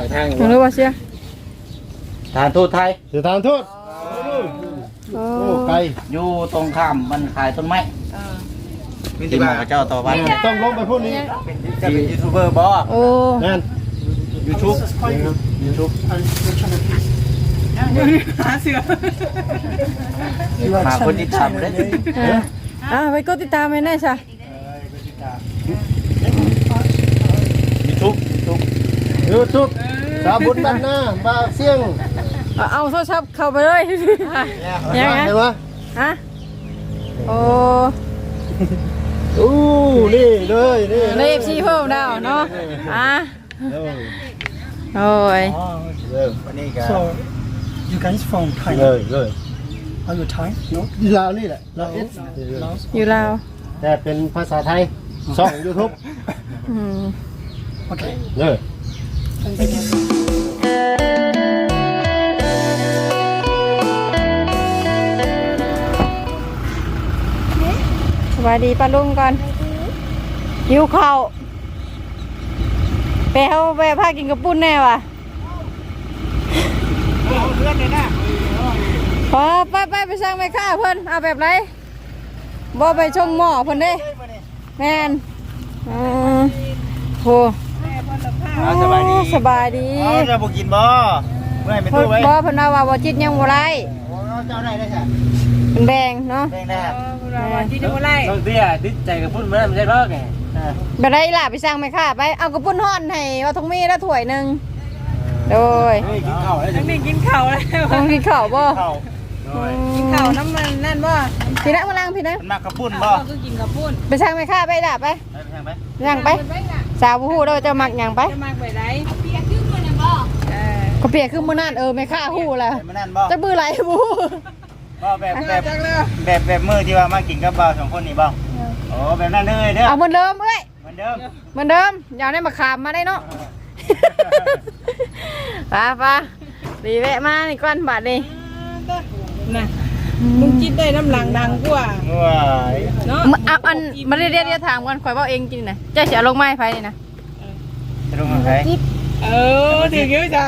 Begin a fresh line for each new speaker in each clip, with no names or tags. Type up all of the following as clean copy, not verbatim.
ทาง
รู้ว่าเชีย
ทานทูตไทย
สถานทูตโอ้ไกล
อยู่ตรงข้ามมันขายต้นไม้ที่หมอเจ้าต่อไป
ต้องลงไปพูดนี้
จะเป็นยูทูบเบอร์บอ
โอ้
นั่น
ยูทูบ
หาเสือ
มาคนที่ทำเลย
ไปกดติดตามให้แน่จ้ะ
ยูทูบ
สาบุญบ้านหน้าบ้าเสี่ยง
เอาโทรศัพท์เข้าไปเลยยังไง
เห็นไหม
ฮะโอ้
อู้นี่เลยนี่
เลขชีเพิ่มดาวเนาะโอ้ย
วันนี้ก็
So you guys from
เลยเลย
Are you Thai? No.
ลาวนี่แหละลาวเอส
อยู่ลาว
แต่เป็นภาษาไทยช่องยูทูบ
Okay.
เลย
สวัสดีป้าลุงก่อนหิวข้าวไปเอาไปพากินกระปุ้นแน่ว่ะพอไปสั่งไม่ค่าเพิ่นเอาแบบไรบ่ไปชงหม้อเพิ่นเด้แม่นโหสบายดี
จะบุกินบ่เมื่อไม่
เพิ่
ตู้
น
ไว้
บ่เพิ่นว่าบ่จิตยังบ่ไร
เจ้าได้ใช่
เป็นแบงเนาะ
แดงได้
จิตยังบ่ไร
ต้องเตี้ยติดใจกับพุ่นเมื่อไม่ใช่พ่อแก
แบบไรล่ะไปสั่งไม่ค่าไปเอากระปุ้นห่อนให้ว่าทงมีละถ้วยนึงโดย
กินข้าวแล้ว
ทั้งนี้กินข้าวแล้ว
ต้องกินข้าวบ่
เข้า
กินข้าวน้ำมันนั่นบ่
พี่นะมานั่งพี่นะ
มันมากระปุ้นบ่
ก็กินกับปุ้น
ไปสั่งไม่ค่าไปด่าไป
แทงไหม
ย่างไปสาวผู้เราจะมักย่างไป
จะมากไปไหนเปียกขึ้นมาเนี่ยบ่เออ
ก็เปียกขึ้นมื้อนั้นไม่ค่าฮู้แล้ว
มันนั่นบ่
จะบื้อไหลบู
บ่แบบมือที่ว่ามากินกับบ่าวสองคนนี่บ่โอ้แบบนั้นเลยเด้อ
เอาเหมือนเดิมเอ้ย
เหมือนเดิม
เหมือนเดิมอย่าได้มาขามมาได้เนาะป้าดีแวะมานี่ก้อนบาทนี่
น่ะมึงกินได้น้ำหลังดังกว่า
ว้าย
เนาะ
อันมาเรียกถามกันข่อยว่าเองจริงนะเจ้าเสียลงไม้ไฟนี่นะ
จะลงกับใคร
ถึงเยอะจ้ะ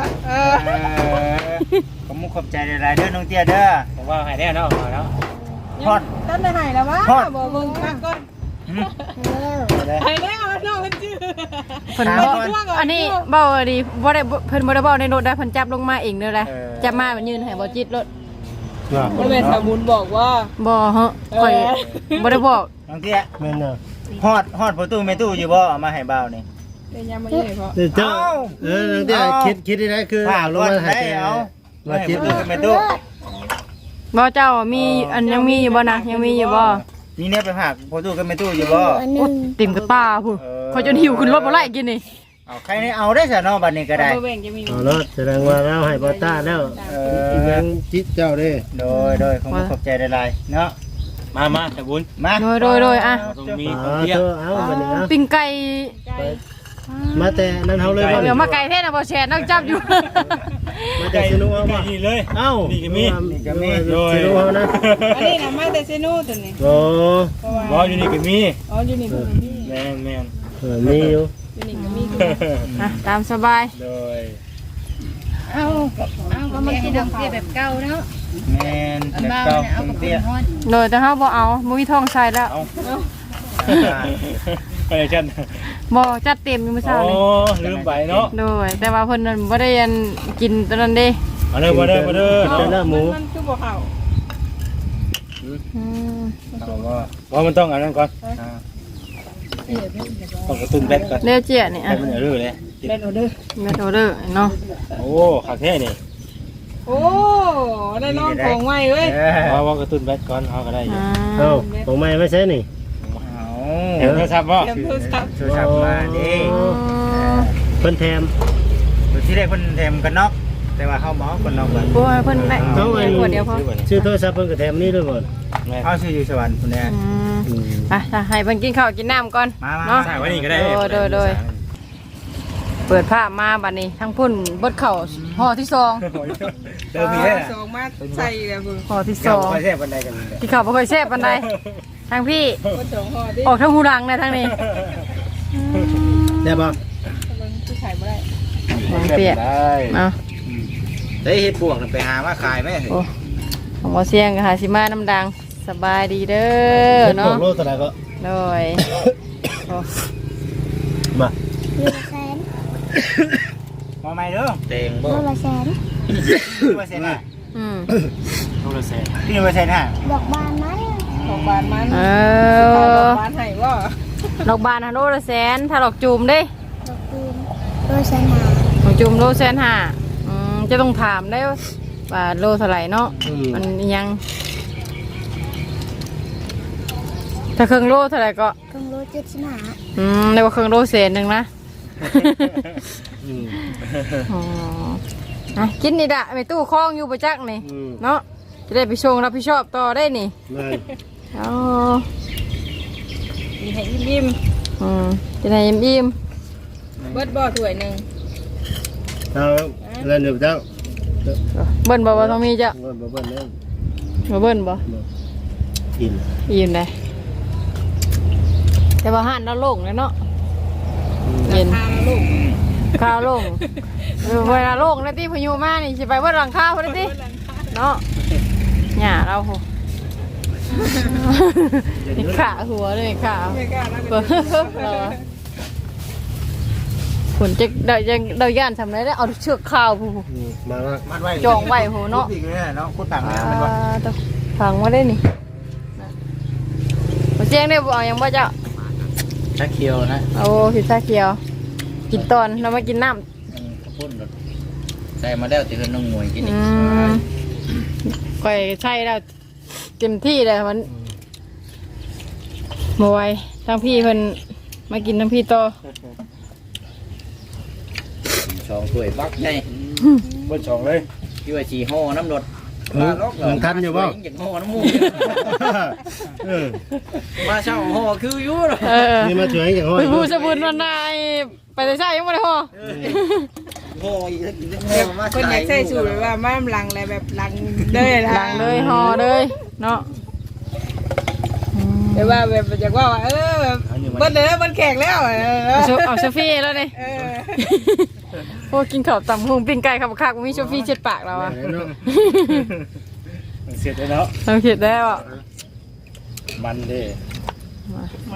ขอบมุขขอบใจหลายๆเด้อน้องเตี้ยเด้อ
ผมว่าหายแน่เนาะเนาะ
ฮอด
ตั้งแต่ไหนแล้ววะ
ฮอด
บอกมึงพักก่อนไหนแล้วน้องมันชื่อ
เพิ่นบอกอันนี้เบาดีบ่ได้เพิ่นบ่ได้เบาในรถได้เพิ่นจับลงมาเองเด้อแหละจับมามันยืนให้บ่จิตรถ
บริเวณสมุนบอกว่า
บ่ฮะข่อยบ่ได้บอก
น้องเตี้ย
แม่นน่ะ
ฮอดประตูไม่ตู้อยู่บ่เอามาให้บ่าวนี่
เป็นยังไม่ใช่เพราะ
เจ้านั่นเดี๋ยวคิดได้คือ
ฝาก
ล
ล
ง
ง
มา
มา
ให้
ให้
แก
เอา
มาคิด
ประตูไม่ตู้
บ่เจ้ามีอันยังมีอยู่บ่นะยังมีอยู่บ่
นี่เนี่ยไปฝากประตูก็ไม่ตู้อยู่บ่
ติ่มกับตาพุ่นเขาจนหิวขึ้นรถบ่ไล่กินนี่
เอาใครนี่เอาได้ซะเนาะบัดนี้ก็ได้
บริเวณจะมี
เอาแล้วแสดงว่าเราให้บอต้าแล้วยังจิตเจ้าเด้
โดยขอบมุขขอบใจหลายๆเนาะ
มาแต่บุญ
มา
โดยอ่ะ
ตรงมี
อ๋อ
เตี้ย
เธอเอาบัดนี้เอา
ปิ้งไก่
มาแต่นั่นเฮาเลยบ่
เดี๋ยวมาไก่เทศน่ะบ่แชร์นักจับอยู่
มาแต่สนุกเอาบ่
นี่เลย
เอ้า
นี่ก็มี
สนุกเอานะ
อันนี้นะมาแต่เซนูตัวนี้
โอ้
บออยู่นี่ก็มี
อ๋ออยู่นี่ก็มี
แม่น
มีอยู่
อยู่นี่ก็มี
ตามสบาย
โดย
เอาก็มากินดอกเบี้ยแบบเก่าเนาะ
แม่นแบบเก่าน้องเตี้ย
โดยแต่เฮาบ่เอาบ่มีทองใส่แล้ว
ไปฉัน
บ่จัดเต็มอยู่มื้อ
โอ้
เช้านี่
ลืมไปเนาะ
โดยแต่ว่าเพิ่นนั่นบ่ได้อันกินตอนนั้นเด้
มาเด้อ
เป็นหน้าหมู
มันคือบ่เข้า
ว่ามันต้องอันนั้นก่อนต้องกระตุ้นแบตก่อน
เรียกเจียนี่
ให้
อ่ะ
มันรื้อเลย
เล่นออเดอร์
แม่โอเดอร์เนาะ
โอ้ขาแท้นี่
โอ้ได้น้องของไว้เว้ย
ว่ากระตุ้นแบตก่อนเขาก็ได้อยู่
เอ้าของใหม่ไม่ใช่นี่
เอา
เห็นโทรศัพท์ป่ะ
เตรียมโทรศัพท์
โทรศัพท์มาดิ
เพิ่นแถม
ที่แรกเพิ่นแถมกันน็อกแต่ว่าเฮาบ่เอากันน็อกกัน
โอ้ยเพิ่นได้ขวดเดียวพอ
ชื่อโทรศัพท์เพิ่นก็แถมนี่ด้วยบ่
เอาชื่ออยู่สวรรค์พุ่นแน่
ไปให้เพิ่นกินข้าวกินน้ำก่อน
มา
เนาะ
ใส่ไว้นี่ก็ได้
โดยเปิดภาพมาบัดนี้ทั้งพุ่นเบิดเข่าห่อที่สอง
เติมมีได้
สองมาใส่แล้วมึง
ห่อที่ส
เก่า
อง
ไปแท้ปานใดกันเลย
ที่เขาบ่เคยแซ่บปานใดทางพี่
ก็สองห่อดิ
ออกทางหูดังนะทางนี้
ได้บ่
มันคือขายไม่ได้
หวังเตี้ย
ได้
เอา
ได้เฮ็ดพวกน่ะไปหามาขายไหม
โอ้ของบ่เสียงก็หาสิมาน้ำดังสบายดีเด้อ
เนาะ
เนาะ
โลเท่าไหร่ก็
โดยโอ้
มา
มาใหม่เด้อเต็งบ่
100 แสน
พี่ว่าเซ็นน่ะ
อืม
โทรศัพท์
พี่ว่าเซ็นน่ะ
ดอกบานไหม
ดอกบานมันด
Ờ.
อกบานให้บ่ดอกบานฮันโลละแสนถ้าดอกจูมเด้
ดอกตูม100 แสนหา
ดอกจูมโลแสนห้าจะต้องถามได้ว่าโลเท่าไหร่เนาะมันยังถ้าเครื่องโลเท่าไหร่ก็
ครึ่งโล75
เรียกว่าเครื่องโลแสนหนึ่งนะ อ๋ออ่ะกินนี่ดะไปตู้คล้องอยู่ประจักษ์นี่เนาะจะได้ไปชงรับผิดชอบต่อได้นี่
เลย
อ๋อ
มีให้ยิ้ม
จะได้อิ่ม
ๆเบิดบ่ถ้วยหนึง
เอาแล้วเดี๋ยวเจ้า
ๆเบิ้นบอกว่าต้องมีจ้ะ
บ่เบิ่นแล้ว
มาเบิ้นบ่
กิน
อิ่มได้แต่ว่าห้านเราโล่งเลยเนาะเย็น
ทานลูก
ข้าวโล่งเวลาโล่งแล้วที่พายุมานี่สิไปเบิ้นหลังข้าวพอดีเนาะหย่าเราโหนี่ขาหัวเลยขา
ไม่กล้านะ
เปิดเราผลจะได้ย่านทำไรได้เอาเชือกข้าวผู้
มาละ
มัดไว้
จองไว้โหเนาะ
อีกเนี่ยเนาะคุณต่างแล้วมันว่า
ต้องฟังมาได้นี่มาเจียงได้บ่เอายังบ่เจ้า
ชาเขียวนะ
โอ้พิซซ่าเขียว กินตอนเรามากินน้
ข้าวปุ้นใส่มาแล้วจะเห็นน้องมวยกิน
ำ
อีก
ก่อยใช่แล้วเต็มที่เลยมันบไหวยทั้งพี่เพิ่นมากินทั้งพี่ต่อ
สองถ้วยบักใหญ่
เบิ้ลสองเลย
ที่ว่าชีห่อน้ำรถ
มันทันอยู่บ่
อย่างห่อน้ำมูก
เออ
มาเช่าห่อคืออยู่หรอ
นี่มาช่วยอย่างห้อย
ไปพูดสบุนวันนายไปแต่ใช่ยังไม่ได้พอ
ห่ออีกมา
คนอยากใส่สูตรแบบว่ามาหลังอะไรแบบหลังเด้อนะ
หลังเลยห่อเลยเนาะ
แต่ว่าแบบอยากว่าแบบเบิดเลยนะมันแขกแล้ว
เอาโซฟี่แล้วนี่โอ้กินข้าวตำหุงปิ้งไก่ขับคักมีโซฟี่เช็ดปากเราอะ
เสร็จแล้วเนาะ
เราคิดได้ว่า
มันเด้
มัน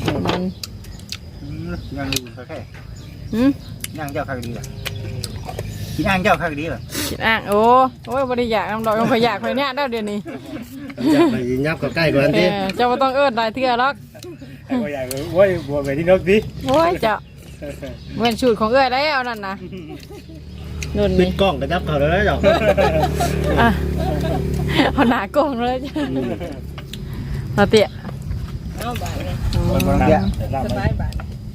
ยังอยู่แค่
หืม
ย่างเจ้าข้าวดีเหรอกินย่างเจ้าข้าวดีเหรอ
คิดอ่างโอ้ยบริยากน้ำดอกยังขอยากขอยเนี่ยได้เดี๋ยวนี้
จะไปยับกับใกล้กว่านี้
เจ้าไม่ต้องเอิ้นได้เทื่อหรอก
ไอ้ก็อยากโว้ยบัวไปที่นกดิ
โอ้ยเจ้าเว้นสูตรของเอ้ยแล้วนั่นนะนุ่น
ปิ
นี่
ดกล้องกระจับเขาแล้วเจ้า
อ่ะเอาหนากล้องเลยจ้ะมาเตี้ย
เอาบาทเลย
มันบางอย่าง
สบายบาท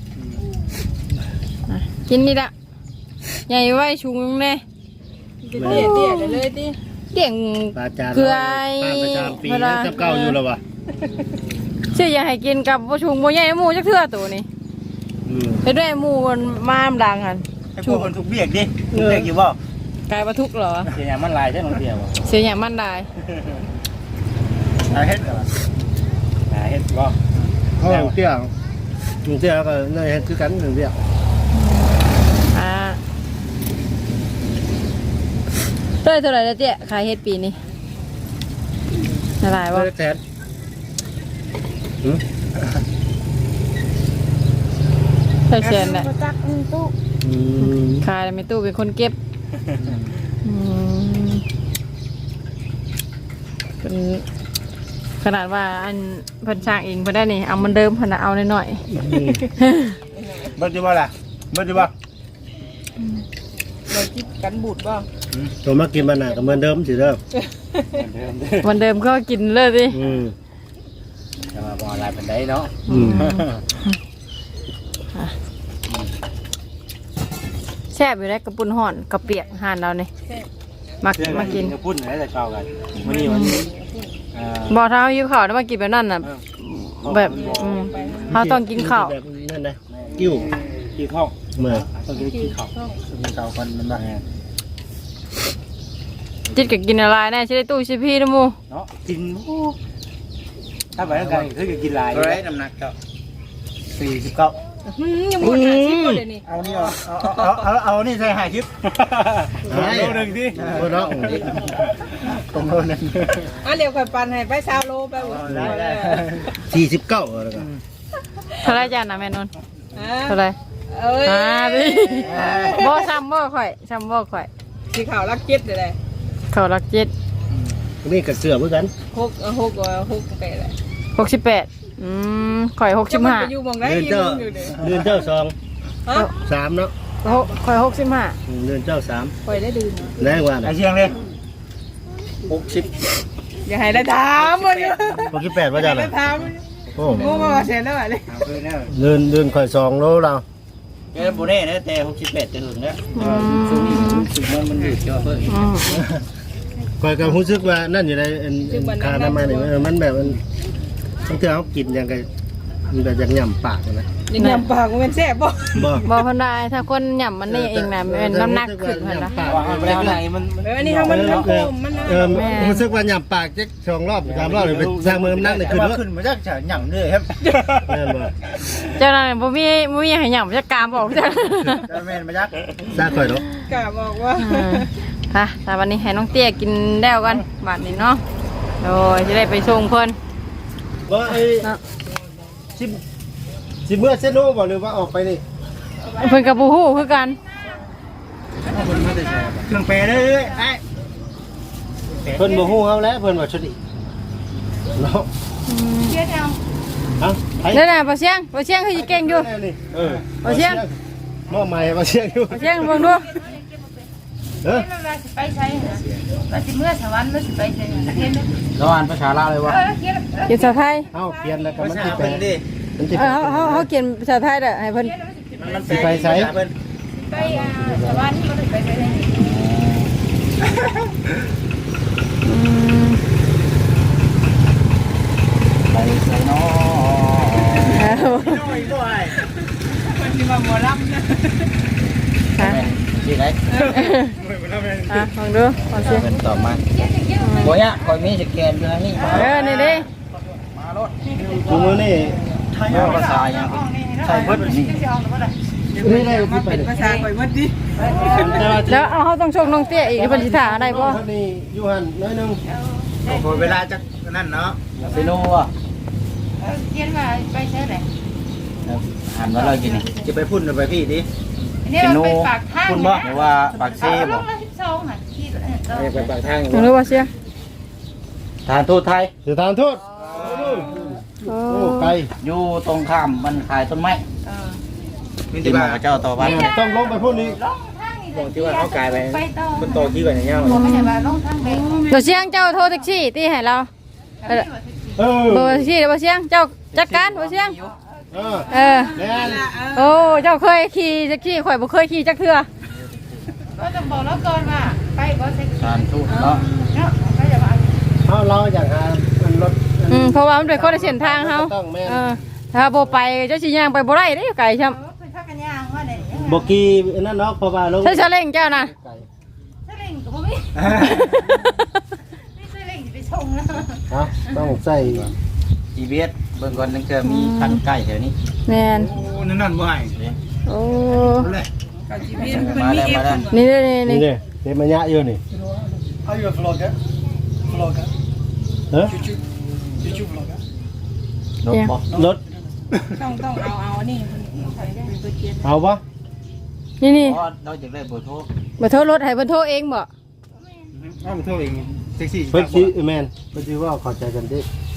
กินนี่ละใหญ่ไว้ชุงแน่
เตี้ยเลยติ
เดี่ยง
ปลาจาน
คือไอ้
ป้าประจำปีนั้นจับเก้าอยู่แล้ววะ
เชื่ออยากให้กินกับบ่ชุงบ่ใหญ่หมูจักเทื่อตัวนี้เฮ็ดด้วยหมูมันมามดังหัน
ให้พวกคนทุกเบียกดิทุกเบียกอยู่บ่
กลายบ่ทุกข์เหรอ
เสียงมันลายใช่น้องเตี้ยว
เสียอย่างมันได้
เฮ็ดเหรอ
เฮ็ดก็
เขาเตี้ยเตี้ยก็น่าจะคือกันหนึ่งเตี้ย
เท่าไหร่แล้วเจ๊ขายเฮ็ดปีนี้ละลายบ่
แทน
ใช่เชียนแหละ
บ่จักอันตู้
ขายแล้วไม่ตู้เป็นคนเก็บเป็นขนาดว่าอันเพิ่นช่างเองเพิ่นได้นี่เอามันเดิมเพิ่นเอาหน่อย
เบิดอยู่บ่ล่ะเบิดอยู่บ่
เราคิดกันบูดบ่
ตัวมากินมันหนาก็เหมือนเดิมสิเด้อ
ๆวันเดิมก็กินเลยสิ
จะมาบ่อะไรเป็นได้เนาะ
แซ่บอยู่ได้กระปุนห่อนกระเปียกห่านเราเนี่ยมากิน
พูดไหนแต่เก่ากันวันนี้วันนี้
บอกถ้าเขายิ้วข้าวแล้วมากินแบบนั้นน่ะแบบเขาต้องกินข้าว
แบบนั่นนะกิ้ว
ขี้ท้อง
เมื่อ
ต้องกินขี้ข้าว
มีเก่าคนมันบ่
จิตกับกินอะไรแน่ใช่ได้ตู้ชิพี่นะมู
เนาะกินถ้าไปแล้วกันคือกินลาย
เท่าไรน้ำหนักเจ้า
ยังหมด50บ่เดี๋ยวนี้
เอานี่เอานี่ใส่หายคลิป
โลนึงที่
บ่เนาะ
ตรงโลนึง
เดี๋ยวค่อยปั่นให้ไป20โลไป
ได้
49แล้วก็
เท่าไรจ้านะแม่นนท์เท่าไร
เอ้ย
ดิบ่ซ้ำบ่ข่อยซ้ำบ่ข่อย
สีขาวรักเจ็ดเลย
เขารักเจ็ด
นี่ก็เสื้อเหมือนกัน
6ไปเลย
68ข่อย
จะมันไป
65
อยู่มองได้
เดือน
ยิ
เจ้า
อยู่เลย
เดือนเจ้าสอง
ฮะ
3เนาะ
ข่อย65
เดือนเจ้า3
ข่อยได้ดื่ม
แรงว่า
ไอ
น่ะ
เชียงเลย
อย่าให้ได้ถามมันอยู่
68ว่าจัง
ได้
น่ะ
ถาม
โอ้
งูมาเสร็จแล้วเลย
เอาคืนแล้ว
เดือนข่อย2โลแล้ว
เอ้โบเน่นะแต่68จะถึงแล้วสุดมันอยู่เจ้าเพิ่น
ข่อยก็รู้สึกว่านั่นอยู่ในคาน้ำมันนี่มันแบบมันบางทีเขากินอย่างไงมันแบบอย่างย่ำปากนะ
ยังยำปากมันแซ่บบ่
บ่
บ่เพิ่นได้ถ้าคนหย่ำมันนี่เองน่ะมันน้ำหนักขึ้นเพิ่นนะ
ว่าเอาไปแล้วไหนมัน
อันนี้มันโคมมัน
รู้สึกว่าย่ำปากจะ2 รอบ3 รอบเลยไปสร้างมือน้ำหนักเลยขึ้นรถ
ขึ้นมาจากจะหยั่งเลยครับ
แม่นบ่
เจ้านั่นบ่มีให้หย่ำจะกามบอกจ้ะ
จะแม่นมาจาก
สร้างข่อยเนาะ
กะบอกว่า
ค่ะแต่วันนี้ให้น้องเตี้ยกินแล้วกันบาดนี้เนาะโดยจะได้ไปส่งเพิ่น
ว่าไอ้สิเมื่อเซโน่บ่หรือว่าออกไปนี่
เพิ่นกับบูฮู้คือกัน
เครื่องแปรเลยไอ้
เพิ่นบ่ฮู้เฮาแล้วเพิ่นว่าชุดนี้เนาะ
เชื่อเอา
เอ้าไป
นั่นน่ะบ่เสียงคือสิเก่งอยู่
บ่เชียงมอใหม่บ่เชียงอยู่
บ่เสียงเบิ่งดู
เออ
เวลาสิไปใช้ว่าสิเมื่อสวรรค์หรือสิไปใช้เรียน
เราอ่านภาษาลาวเลยวะ
เขียน
เขียนภาษาไทย
เอ้าเปลี่ยนแล้วก็
ภา
มัน
ษา
สิแปล
เพิ่นดิ
มันสิ
เขาเขียนภาษาไทยเด้อให้เพิ่น
มัน
สิไปไส
เพิ่น
ไปสวรรค์ก็ไปใช้
ไปไสเนาะ
มันสิมาหมอลำนะ
ค่ะ
สิไหน
ฟังดูฟังเสียง
เพิ่นตอบมาบ่ยะคอยมีสแกนอยู่นี่
นี่ดิ
กูมื้อนี้
ภาษาหยังใช่เพิ่นนี่
นี่ได้
มา
สิไป
เป็นภาษาข่อยหมดดิ
แล้วเฮาต้องส่งน้องเตี้ยอีกเพิ่นสิท่าได้บ่
คนนี้อยู่หั่นน้อยนึง
โอ้เวลาจักนั่นเนาะเซโนอ่ะ
เขียนว่าไปใช้ไหน
อ่านว่าเรากินนี่จะไปพุ่นหรือไปพี่ดิ
นี่เราไปปากทาง
พุ่นบ่หรือว่าปากเซ่บ่
12อ่ะคิด
ไปปากทาง
ฟังดูว่าเสียง
ทางทูตไทย
สถานทูต
โอ้
โอ้ไกล
อยู่ตรงข้ามมันขายต้นไม้ที่มาเจ้าต่อบ้าน
ต้องลงไปพุ่นนี้
ลงทางนี่
บอกที่ว่าเขากลายไป
ไปต่อ
มันโตที่กว่าอย่างเงี้ย
ไม่ใช่ว่าลงทางไป
เดี๋ยวเสียงเจ้าโทรแท็กซี่ตีให้เรา
เออ
เบอร์แท็กซี่บ่เสียงเจ้าจัดการบ่เสียง
เออ
เออ
แม่น
โอ้เจ้าเคยขี่แท็กซี่ข่อยบ่เคยขี่จักเทื่อ
ก็ต้องบอกแล้วก่อนว่าไปบ่เซ็ก
สารทูตเนาะ
เนาะก็จะว่า
เราอยากหามันรถ
เพราะว่ามันเป็นคนละเส้นทางเฮา
ต้องแม่น
ถ้าบ่ไปเจ้าสิย่างไปบ่ได้เด้ไกลช่ำ
เป็นพักกันย่างว่าได้
บกี้นั่นเนาะเพราะว่าลง
ใช้ซาเล้งเจ้าน่ะ
ถ้าเล่นก็บ่มีไม่ใช่เล่นสิไปส่งนะ
ต้องใส่
จีเบียสเบิ่งก่อนนึงเจอมีคันใกล้แถวนี้
แม่น
โอ้นั่นบ่ให้
โอ้
ก็สิมีเพิ่นมีเอฟ
นี่เด้นี่
นี่เต็มระยะอยู่นี่
เอาอยู่ฟลอกันฟลอกัน
เฮ้ย
ยูฟลอกันรถบ่
รถ
ต้องเอานี่ไปเขียน
เอาปะ
นี่
เพราะเราจะได้เบอร์โทร
บ่โทรรถให้เพิ่นโทรเองบ่
เอาโทรเองแท็กซี่
เพิ่นสิแม่นเพิ่นสิว่าเข้าใจกันดิ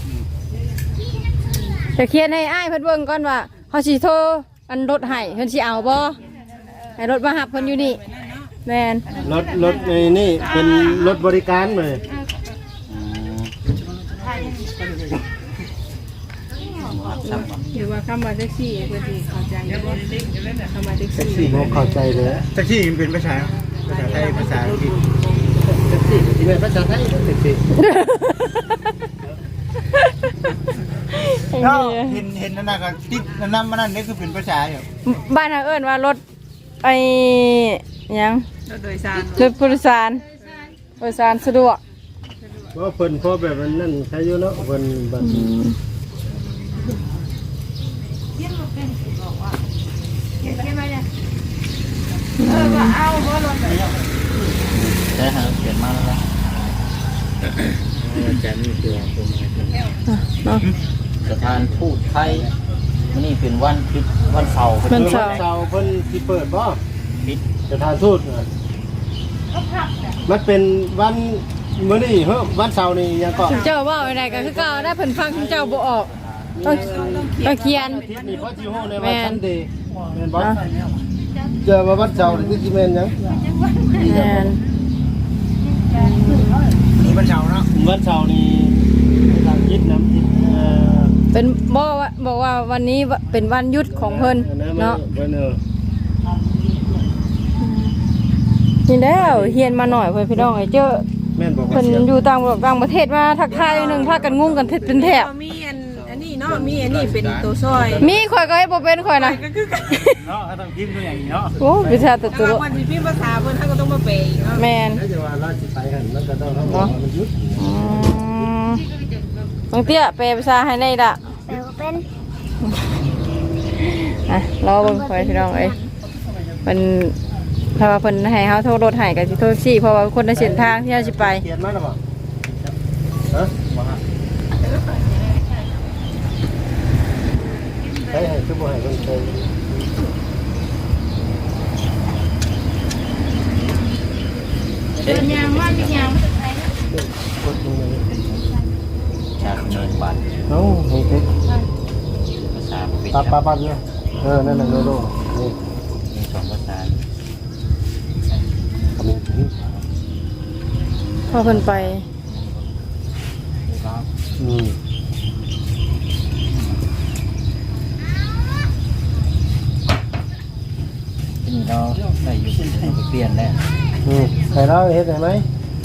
จะเขียนให้อ้ายเพิ่นเบิ่งก่อนว่าเฮาสิโทรอันรถให้เพิ่นสิเอาบ่ให้รถมารับเพิ่นอยู่นี่แม่น
รถในนี่เป็นรถบริการเลย
หรือว่าคำว่าแท็กซี่เพิ่นสิเข้าใจบ่คำว่าแท็กซี่
บ่เข้าใจเลย
แท็กซี่มันเป็นภาษาไทยภาษาอังกฤษ
แท็กซี่ที่เป็นภาษาไทยแท็กซี่
เห็นนั่นน่ะก็ติดนั่นมันนั่นนี่คือเป็นภาษาอยู่
บ้านเฮาเอิ้นว่ารถไอ้หยัง
รถโดยสาร
รถผู้โดยสารผู้โดยสารสะดวก
เพราะเพิ่นพอแบบนั้นใช้อยู่เนาะเพิ่นบัด
เขียนมาเป็นบอกว่าเขียนไว้เนี่ยว่าเอาบ่ลงไป
ใช่ฮะเปลี่ยนมาแล้วจะมีตัวผม
เนาะ
สถานทูตไทยนี่เป็นวันคิดวันเสาร์
วันเสาร์
เสาร์เพิ่นสิเปิดบ่
ปิด
สถานทูตมันเป็นวันมื้อนี้เฮ้อวันเสาร์นี่ยังก็
คุณเจ้าว่าอะไรก็คือเก่าได้เพิ่นฟังคุณเจ้าบ่ออกต้องเขียน
อาทิตย์นี้พอสิฮู้ในวันซันเดย์แม่นบ่เจอมาวันเสาร์นี่สิแม่นหยัง
แม่น
นี่วันเสาร์เนาะ
วันเสาร์นี่ทางคิดนำคิด
เป็นบอกว่าวันนี้เป็นวันหยุดของเพิ่นเนาะ
เพิ่น
นี่แล้วเฮียนมาหน่อยเพิ่นพี่น้องไอ้เจ้า
แม่นบ่
เพิ่นอยู่ต่างประเทศมาทักทายนึงพากันงุ้มกันเป็นแถบ
มีอันนี้เนาะมีอันนี้เป็นตัวซอย
มีข่อยก็ให้บ่เป็นข่อยนะ
ก็คือกัน
เนาะต้องพิมพ์ตัวอย่างนี้เนาะ
โอ้วิชาตัว
ถ้าวันที่พิมพ์ภาษาเพิ่นท่านก็ต้องมาแปลอีกเนาะ
แม่น
แล้วจะว่าราชไปหั่นมันก็ต้องบอกว่ามันหยุด
บางเตี้ยแปลภาษาให้ได้ละ
แต่ก็เป็น
อ่ะรอเบิ่งข่อยพี่น้องเอ้ยเพิ่นถ้าว่าเพิ่นให้เฮาโทรรถให้ก็สิโทรซี่เพราะว่าคนในเส้นทางที่เฮาสิไป
เขียนมาแล้วบ่ฮะให้คือบ่ให้เพิ่นเคย
เป็นยางว่าเป็นยางไม่ใช่
กดลงเลย
จากเนินบัตร
เอ้าเฮ้ย
ภาษาปิด
ปั๊บเนี่ยนั่นน่ะโลนี่
มีสองภาษา
คำนี้
พอเพิ่นไป
อืม
ที่นี่เราได้อยู่เปลี่ยนแล้ว
ใครเล่าเฮ็ดได้ไหม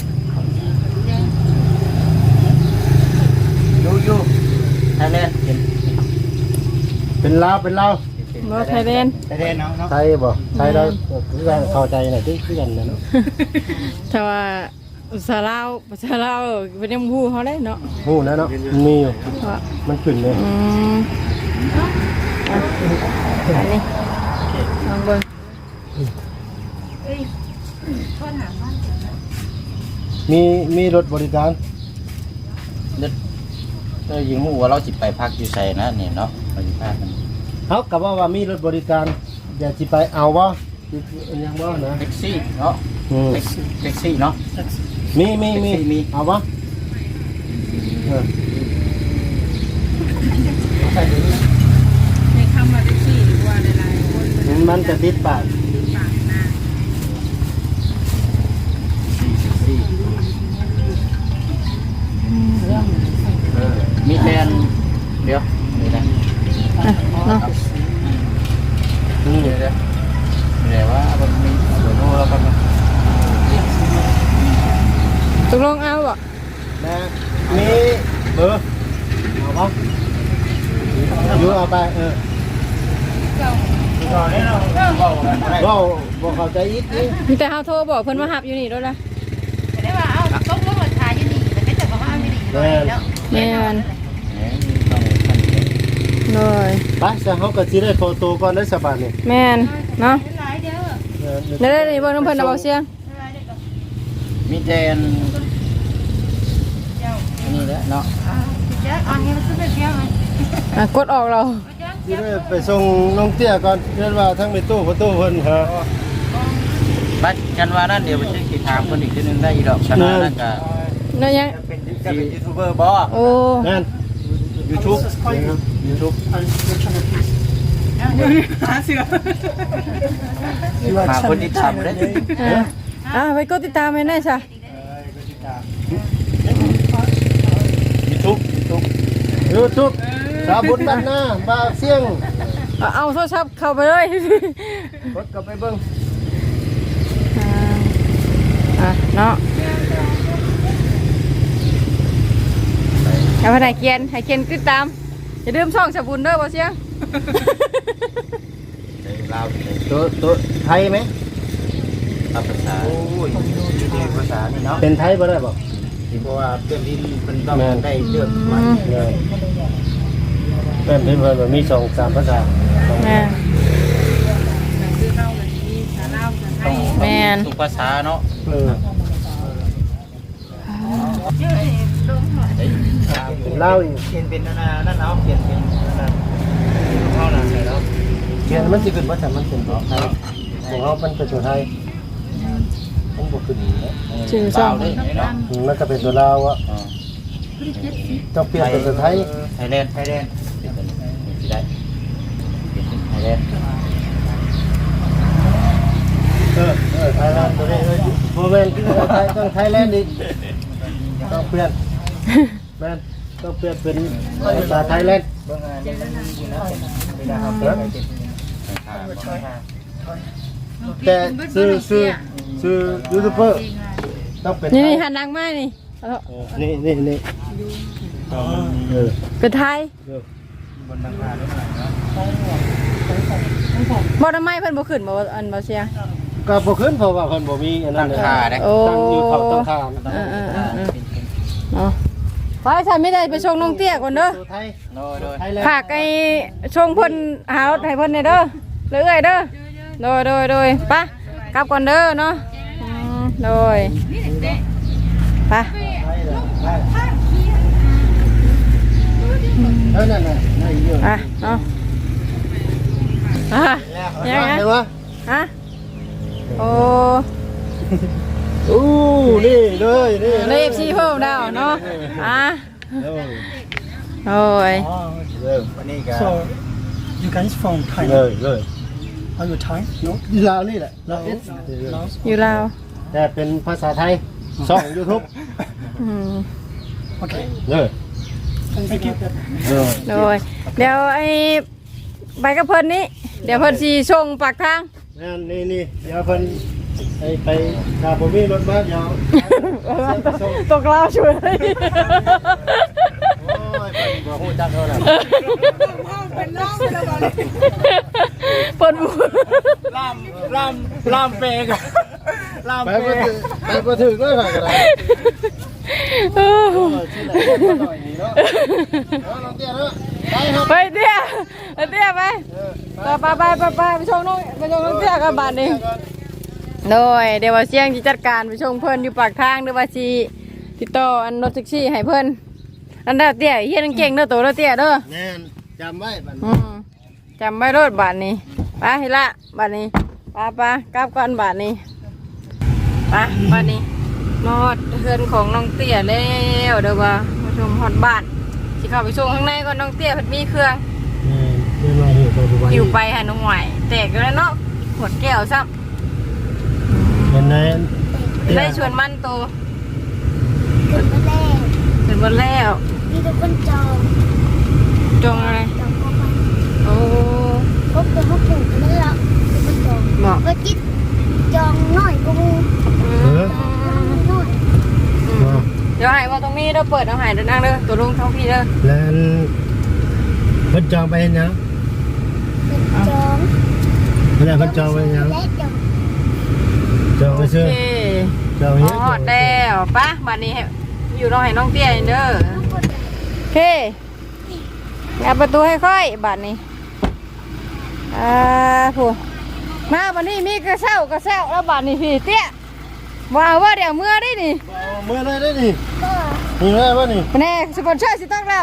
อยู่ไทยแลนด์
เป็นลาว
บ่ไทยแลนด์
ไทยแลนด์เนาะ
ไทยบ่ไทยเราคือกันเข้าใจหน่อยที่คือกันนะเนาะ
ถ้าว่าภาษาลาวเป็นยังฮู้เฮาได้เนาะ
ฮู้นะเนาะมันมีอยู่
ว่า
มันขึ้นเลย
อ่ะอันนี้ลองเบิ่ง
มีรถบริการ
เรายิงหูว่าเราจิไปพักอยู่ใส่นะเนี่ยเนาะเราจิพักกัน
เฮากับว่ามีรถบริการอยากสิไปเอาบ่ยังบ่นะ
แท็กซี่เนาะแท็กซี่เนาะ
มีเอาบ่
ในคำว่าแท็กซี่หรือว่าหลายๆคน
มันจะติดปาก
ปากหน้า
มีแลนเดี๋ยวนี่นะ
เนาะ
เดี๋ยวเดี๋ยวว่ามันมีเดี๋ยวโน้แล้วกัน
ตกลงเอาบ่
นะมีเบอร์เอาบ่อยู่เอาไปบ่เข้าใจอีกนี่
มีแต่เฮาโทรบอกเพิ่นมารับอยู่นี่โดนละ
ได้ว่าเอาต้มรถราคาอยู่นี่แต่ไม่แต่ว่าเอาไม่ดีแล้ว
แม่นเลย
ไปซะเฮาก็สิได้โฟโต้ก่อนได้สบายนี่
แม่นเนาะ
หลายเด้อ
ได้ๆนี่เบิ่งน้ำเพิ่นเอาเบาเสียง
มีแดนนี่แหละเนาะ
เจ้าอันนี้มันคือเป็นเพียงไง
กดออกเรา
สิได้ไปส่งน้องเตี้ยก่อนเรียนว่าทั้งในตู้ประตูเพิ่นหา
บัดกันว่านั่นเดี๋ยวไปเช็คที่ถามคนอีกทีนึงได้อีดอกชนะนั่นก็
นั่นยัง
เป็นยูทูบเบอร์บอ
โอ้
นั่น
YouTube
หาเสือ
มาคนที่ทำได้
ไปกดติดตามให้ได้ซะ
YouTube สาบุญบ้านนาบาเสียง
เอาโทรศัพท์เข้าไปเลย
กดกลับไปเบิ่ง
เนาะเอาไปไหนเกียนให้เกียนติดตามอย่าลืมช่องสบุญเด้อบ่เสียง
ลาว
ตัวไทยไหม
ภาษาโอ้ยภาษานี่เนาะ
เป็นไทยบ่ได้บ่
ที่เพราะว่าเพื่อนที่เป็นต้องได้เลือกมา
เลยแม่นเพิ่นว่ามี2-3ภาษา
แม่น
คือเข้าแบบนี้สาลาวสาไทย
แม่น
ทุกภาษาเนาะ
เออเป็นลาวอีก
เขียนเป็นนั่นเอาเขียนเป็นนั่นเท่านั้นเลยเนาะ
เขียนมันสิขึ้นว่าแต่มันเป็นของไทยของเรามันเป็นตัวไทยมันบ่ขึ้นนะ
ชื่อช่อง
มันก็เป็นตัวลาวอ่ะต้องเปลี่ยนเป็นตัวไทย
ไทยแลนด์เป็นตัวนี้สิได้เป็นไทยแลนด์
ไทยแลนด์ตัวนี้โมเมนต์ที่ไทยต้องไทยแลนด์อีกต้องเปลี่ยนแม่นต้องเปลี่ยนเป็นภาษาไทยแลนด์แต่ซื้อยูทูบเบอร์ต้องเป็น
นี่หันดังมากนี่
นี่
เป็นไทย
บนหลังคาด้วยนะ
บ่ทำไมเพิ่นบ่ขึ้นบ่อันบ่เสียง
ก็บ่ขึ้นเพราะว่าเพิ่นบ่มีอันนั้น
โอ้
ตั้งอยู่เขาตั้งคาม
เนาะไปฉันไม่ได้ไปชงน้องเตี้ยก่อนเด้อ
ไทย
โดย
ไทยแลนด์
ฝากไอ้ชงเพิ่นหารถให้เพิ่นได้เด้อเรื่อยๆเด้อโดยไปกลับก่อนเด้อเนาะโดยไป
นั่นน่ะนั่นอยู่
อ่ะเนาะยังไง
เห็นบ่
ฮะโอ้
อู้นี่เลยนี่
เลฟซีเพิ่มดาวเนาะอ่ะโอ้ย
วันนี้ก็
So, you guys from
เล
Thailand?
ยเลย
Are you Thai? No.
ลาวนี่แหละลาว
อยู่ลาว
แต่เป็นภาษาไทยช่อง YouTube
อืม
Okay.
เลย
Thank you.
โดยเดี๋ยวไอ้ใบกับเพิ่นนี้เดี๋ยวเพิ่นสิส่งปากทาง
นี่เดี๋ยวเพิ่นไปถ้าบ่มีรถมาเดี๋ยว
ตกลาวช่วย
โอ้ยเพิ่นบ่ฮู้จักเท่านั้น
เพิ่นบ่
ลามเปกลาม
ไป
เป
บ่ถึงเลยค่ะก็ได้
ไปเตี้ยไปไปชงน้องเตี้ยกันบาดนี้โดยเดี๋ยวว่าเสียงสิจัดการไปชงเพิ่นอยู่ปากทางหรือว่าสิติดต่ออันรถแท็กซี่ให้เพิ่นอันเด้อเตี้ยเฮียนเก่งเด้อโตเด้อเตี้ยเด้อ
แน่นจำไว้บัด
จำไว้รถบาทนี้ไปเฮละบาทนี้ไปกลับก่อนบาทนี้ไปบาทนี้นอดเฮือนของน้องเตี้ยแล้วเดี๋ยวว่ามาชมฮอดบ้านสิเข้าไปส่งข้างในก่อนน้องเตี้ยเพิ่นมีเครื่อง
นี่มาอยู่ปัจจุบัน
อยู่ไปหาน้องใหม่แตกแล้วเนาะขวดแก้วซ้
เห็นไหม
ำได้ชวนมันโต
เกิดมาแล้ว
ถึงวันแล้ว
มีทุกคนจอง
จงอะไร
จองเข้าไป
โอ้
พบกับพบถูกกันแล้วทุกคนจอง
บอก
ก็จิตจองน้อยกูน้อย
เดี๋ยวให้ว่าตรงนี้เราเปิดเอาให้เดินนั่งเด้อตัวลุงท้องพี่เด้อ
แล้วเพิ่นจองไปเห็นยัง
เป็นจอง
แล้วเพิ่นจองไปเห็นยัง
และจอง
จองไป
โอ
ซื้อ
เค
จอง
อ๋
เนี้
อแล้วปะบัดนี้ให้อยู่น้องให้น้องเตี้ยเด้อโอเคงัดประตูให้ค่อยบัดนี้ผู้มาบัดนี้มีกระเซ้แล้วบัดนี้พี่เตี้ยว่าเดี๋ยวเมื่อได้นี่
เมื่อไรได้นี่
ก็
นี่ไรวะนี่
แน่สปอนเซอร์สิต้องแล้ว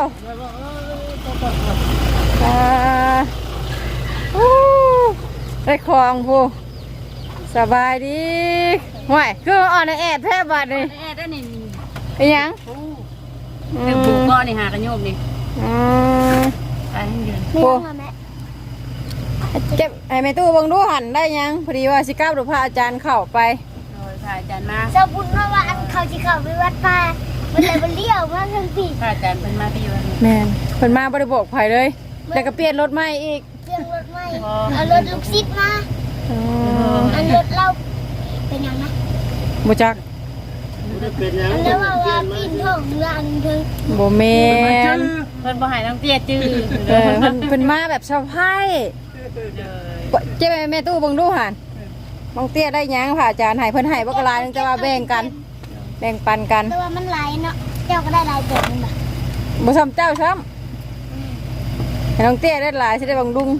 ได้ของผู้สบายดีห่วยคืออ่อนแอดแทบบัดนี่
แอร์ได้นี่
ไอ้ยัง
เดี๋ยวปลูกก้อนนี่หากันโยมนี่ ไปให้ยืน
ไม่ต้องมาแม่
เก็บไอ้แม่ตู้เบังดูหันได้ยังพอดีว่าสิก้าวดูพระอาจารย์เข้าไป
โดยพระอาจารย์มา
สบุญว่าอันเขาจะเข้าไปวัดป่ามันเลยมันเลี้ยวมาทั้งสี่
พระอาจารย์เป็นมาพี่อยู่นี่
แม่นเพิ่นมาบ่ได้บอกไผเลยแล้วก็เปลี่ยนรถใหม่อีก
เครื่องรถไม่เอารถลูกซิดมาอันรถเราเป็นยังไง
บ่จัก
เป็นยัง
อันแล้วว่าปีนท่องเรืออันถึง
บ่แม่น
เพิ่นบ่ให้น้องเตี้ยจื้อ
เพิ่นมาแบบเซอร์ไพรส์เจ๊แม่ตู้เบังดูหันบางเตี้ยได้หยังพระอาจารย์ให้เพิ่นให้บ่กะลายนึงแต่ว่าแบ่งกันแบ่งปันกัน
แต่ว่ามันไหลเนาะเจ้าก็ได้ลายเกิดมันแบบ
บ่ซ้ำเจ้าซ้ำให้น้องเตี้ยได้หลายสิได้บำรุง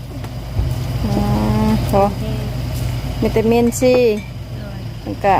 โหวิตามินซีมันก็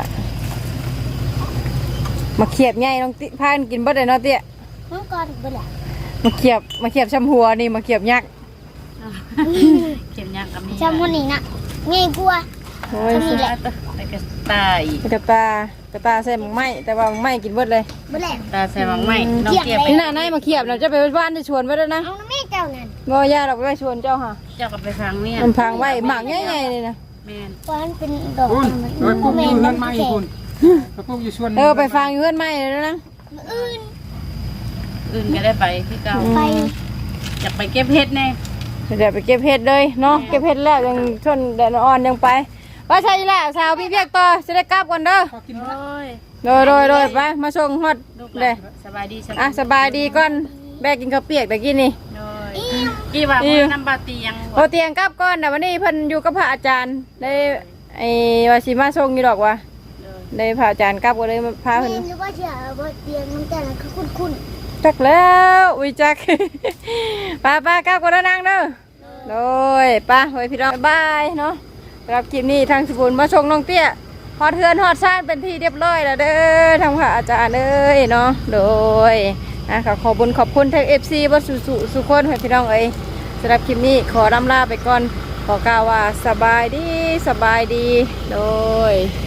มาเขียบใหญ่น้องติพานกินบ่ได้เนาะเตี้ย
น้องก่อนบ่ล่ะ
มาเขียบชำหัวนี่มาเขียบยักษ์
เข็มยักษ์กับมี
จำมื้อนี้น่ะง่ายกว่า
โอ้ย
นี่แหละ
แต่กระตาอีก
กระตาใส่หมักไหมแต่ว่าหมักไหมกินเบิดเลย
บ่แหละ
ตาใส่บางไม้น้องเตี้ยไป
นี่น่ะนายมาเขียบเราจะไปบ้านจะชวนไว้แล้วนะ
เอาแม่เจ้านั่น
บ่ย่าเราไปชวนเจ้าค่ะ
เจ้าก็ไปฟังเนี่ย
มันพังไว้หมากใหญ่ๆเลยนะ
แม่น
เพราะมันเป็นดอก
คุณโดยพวกอยู่เฮือนไม่คุณพวกอยู่ชวน
ไปฟังอยู่เพื่อนไหมเลยนะ
อื่น
อื่นก็ได้ไปที่เก่า
ไป
อยากไปเก็บเห็ดแน่
เดี๋ยวไปเก็บเห็ดเลยเนาะเก็บเห็ดแล้วยังชนแดดอ่อนยังไปว่าใช่แล้วสาวพี่เพียกต่อจะได้กลับก่อนเด้อ
โอ้ย
โดยไปมาส่งฮอด
ลูกห
เด้
ลานสบายดี
อ่ะสบายดีก่อนแบกกินข้าวเปียกตะกี้นี่
โดยกี่ว่ามื้อน้ำบาเตียง
โอเตียงกลับก่อนแต่วันนี้เพิ่นอยู่กับพระอาจารย์ได้ไอ้ว่าสิมาส่งอยู่ดอกว่ะได้พระอาจารย์กลับก็เลยมาพาเพิ่น
นี่นึกว่าจะบ่เตียงมันแต่ละคือคุ้น
จักแล้วอุ้ยจัก ป้ากลับก่อนแล้วนางเด้อโดยป้าไว้พี่น้องบ๊ายบายเนาะสำหรับคลิปนี้ทางสกุลมาส่งน้องเตี้ยฮอดเทือนฮอดซ่านเป็นที่เรียบร้อยแล้วเด้อทางพระอาจารย์เอ้ยเนาะโดยขอขอบคุณทาง FC บ่สุคนให้พี่น้องเอ้ยสำหรับคลิปนี้ขอลำลาไปก่อนขอกล่าวว่าสบายดีโดย